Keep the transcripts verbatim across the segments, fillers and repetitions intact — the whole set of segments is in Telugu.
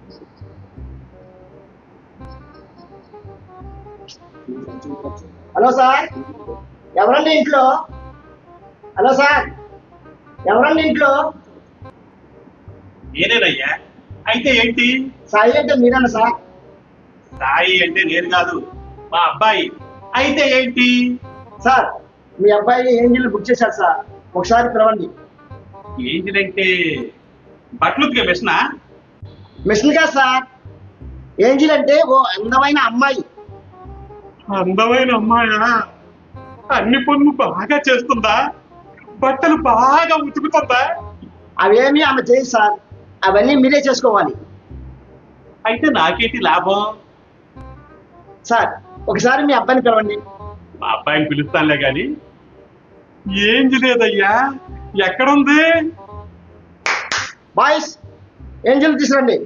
హలో సార్, ఎవరండి ఇంట్లో? హలో సార్, ఎవరండి ఇంట్లో? నేనేనయ్యా. అయితే ఏంటి? సాయి అంటే మీరేనా సార్? సాయి అంటే నేను కాదు, మా అబ్బాయి. అయితే ఏంటి? సార్, మీ అబ్బాయి ఏంజిల్ బుక్ చేశారు సార్, ఒకసారి పిలవండి. ఏంజిల్ అంటే బట్టలు ఉతికే మిషనా? మిషన్ కాదు సార్, ఏంజిల్ అంటే ఓ అందమైన అమ్మాయి. అందమైన అమ్మాయా? అన్ని పనులు బాగా చేస్తుందా? బట్టలు బాగా ఉతుకుతుందా? అవేమీ ఆమె చేయదు సార్, అవన్నీ మీరే చేసుకోవాలి. అయితే నాకేంటి లాభం? సార్, ఒకసారి మీ అబ్బాయిని పిలవండి. మా అబ్బాయిని పిలుస్తానులే గాని ఏంది లేదయ్యా, ఎక్కడుంది? బాయ్స్, ఏంజిల్ తీసుకురండి.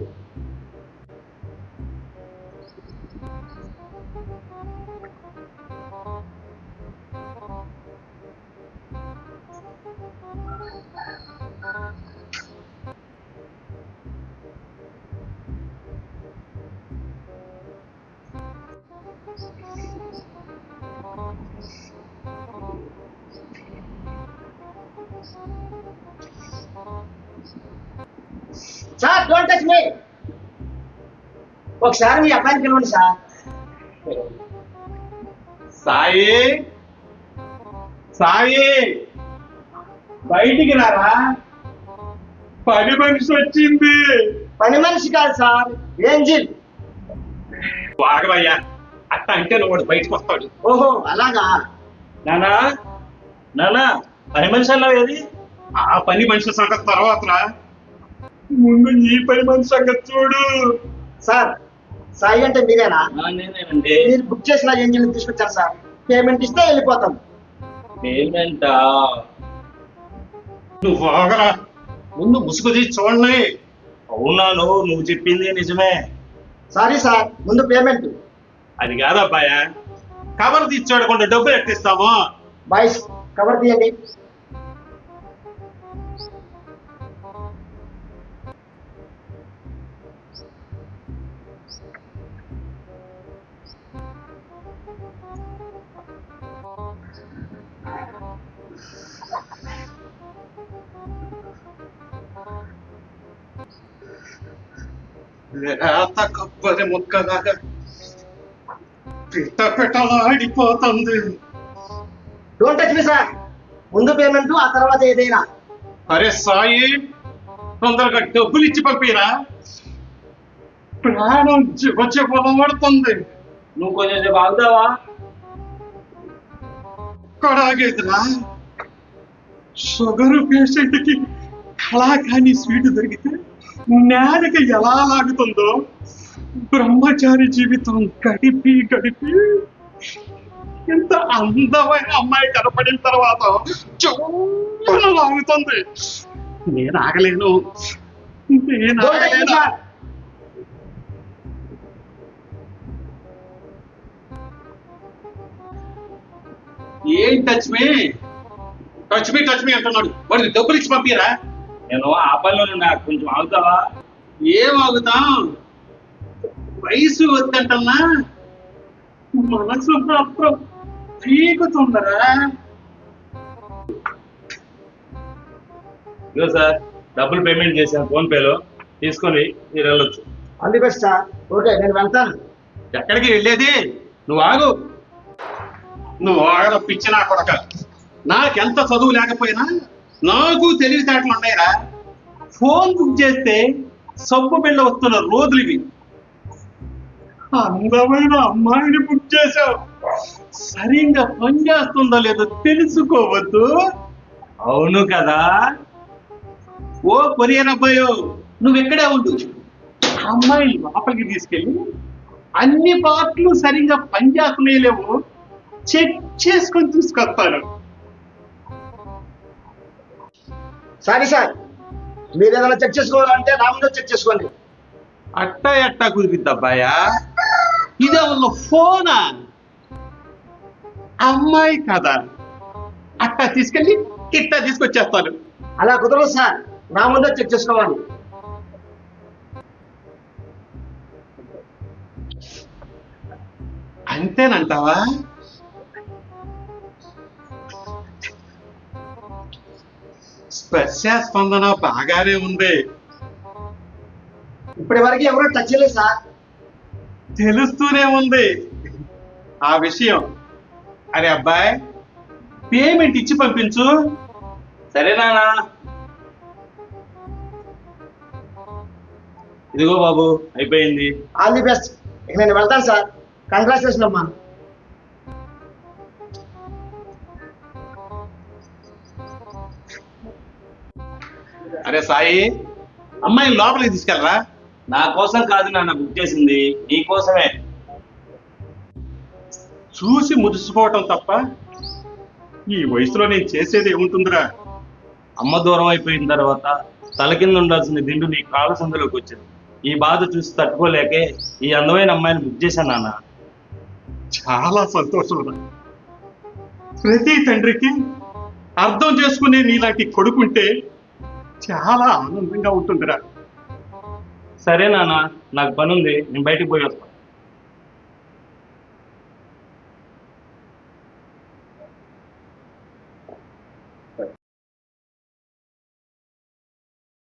Sir, don't touch me. ఒకసారి మీ అబ్బాయిని పిలవండి సార్. సాయి, సాయి బయటికి రారా, పని మనిషి వచ్చింది. పని మనిషి కాదు సార్, ఏంజిల్. ఆగవయ్యా, అట్ట అంటే నువ్వు బయటకు వస్తాడు. ఓహో, అలాగా. నానా నానా పని మనిషి అన్నావు ఏది? ఆ పని మనిషి సంగతి తర్వాత రా, ముందు ఈ పని మనిషి సంగతి చూడు. సార్, సాయి అంటే మీరేనా? నేనేనండి. మీరు బుక్ చేసిన ఏంజిల్ తీసుకొచ్చారు సార్, పేమెంట్ ఇస్తే వెళ్ళిపోతాం. పేమెంటా? నువ్వు ఆగరా, ముందు ముసుగు తీసి చూడండి. అవునాను, నువ్వు చెప్పింది నిజమే. సారీ సార్, ముందు పేమెంట్. అది కాదబ్బాయా, కవర్ తీసి చూడకుండా డబ్బులు ఎట్టిస్తాము? బాయ్స్, కవర్ తీయండి. లేత కొబ్బరి ముక్కలాగా పిట్ట పిట్టలాడిపోతుంది. డోంట్ టచ్ మీ సార్, ముందు పేమెంట్, ఆ తర్వాత ఏదైనా. అరే సాయి, తొందరగా డబ్బులు ఇచ్చి పంపిరా, ప్రాణం వచ్చే పొలం పడుతుంది. నువ్వు కొంచెం సేపు ఆగుతావా? కొడాగేదిరా, షుగర్ పేషెంట్ కి కళాకాని స్వీట్ దొరికితే నేలక ఎలా లాగుతుందో బ్రహ్మచారి జీవితం గడిపి గడిపి ఇంత అందమైన అమ్మాయి కనపడిన తర్వాత చాలా లాగుతుంది. నేను ఆగలేను, నేను Don't touch me, ఆగలేను. sir. ఏం touch me touch me touch me అంటున్నాడు. వాడికి డబ్బులు ఇచ్చి పంపిరా. నేను ఆ పనిలో నాకు కొంచెం ఆగుతావా? ఏం ఆగుతాం, వయసు వద్దంటన్నా మనసు మాత్రం పీకుతుందరా. ఇదిగో సార్, డబ్బులు పేమెంట్ చేశాను ఫోన్ పేలో, తీసుకొని మీరు వెళ్ళొచ్చు. All the best sir. Okay, నేను వెళ్తాను. ఎక్కడికి వెళ్ళేది? నువ్వు ఆగు, నువ్వు ఆగర పిచ్చి నా కొడక. నాకెంత చదువు లేకపోయినా నాకు తెలివితేటలు ఉన్నాయిరా. ఫోన్ బుక్ చేస్తే సబ్బు బిళ్ళ వస్తున్న రోజులు ఇవి. అందమైన అమ్మాయిని బుక్ చేశావు, సరిగ్గా పని చేస్తుందో లేదో తెలుసుకోవద్దు. అవును కదా. ఓ కొరియర్ అబ్బాయో, నువ్వు ఇక్కడే ఉండు. అమ్మాయి లోపలికి తీసుకెళ్ళి అన్ని పార్ట్లు సరిగ్గా పనిచేస్తున్నాయలేవు చెక్ చేసుకొని తీసుకొస్తాను. సారీ సార్, మీరు ఏదైనా చెక్ చేసుకోవాలంటే నా ముందు చెక్ చేసుకోండి. అట్టా ఎట్టా కుదిరిద్ది అబ్బాయా? ఇదే ఉన్న ఫోనా? అమ్మాయి కదా, అట్టా తీసుకెళ్ళి ఇట్టా తీసుకొచ్చేస్తాను. అలా కుదరదు సార్, నా ముందే చెక్ చేసుకోవాలి. అంతేనంటావా? స్పర్శ స్పందన బాగానే ఉంది. ఇప్పటి వరకు ఎవరో టచ్ చేయలేదు సార్. తెలుస్తూనే ఉంది ఆ విషయం. అరే అబ్బాయి, పేమెంట్ ఇచ్చి పంపించు. సరే నాన్న. ఇదిగో బాబు, అయిపోయింది. All the best. ఇక నేను వెళ్తాను సార్. కంగ్రాచులేషన్ అమ్మా. అరే సాయి, అమ్మాయిని లోపలికి తీసుకెళ్ళరా. నా కోసం కాదు నాన్న బుక్ చేసింది, నీ కోసమే. చూసి మురిసిపోవటం తప్ప ఈ వయసులో నేను చేసేది ఏముంటుందిరా. అమ్మ దూరం అయిపోయిన తర్వాత తల కింద ఉండాల్సిన దిండు నీ కాళ్ళ సందులోకి వచ్చింది. ఈ బాధ చూసి తట్టుకోలేకే ఈ అందమైన అమ్మాయిని బుక్ చేశాను నాన్న. చాలా సంతోషం రా. ప్రతి తండ్రికి అర్థం చేసుకునే నీలాంటి కొడుకుంటే చాలా ఆనందంగా ఉంటుందిరా. సరే నాన్న, నాకు పని ఉంది, నేను బయటికి పోయి వస్తాను.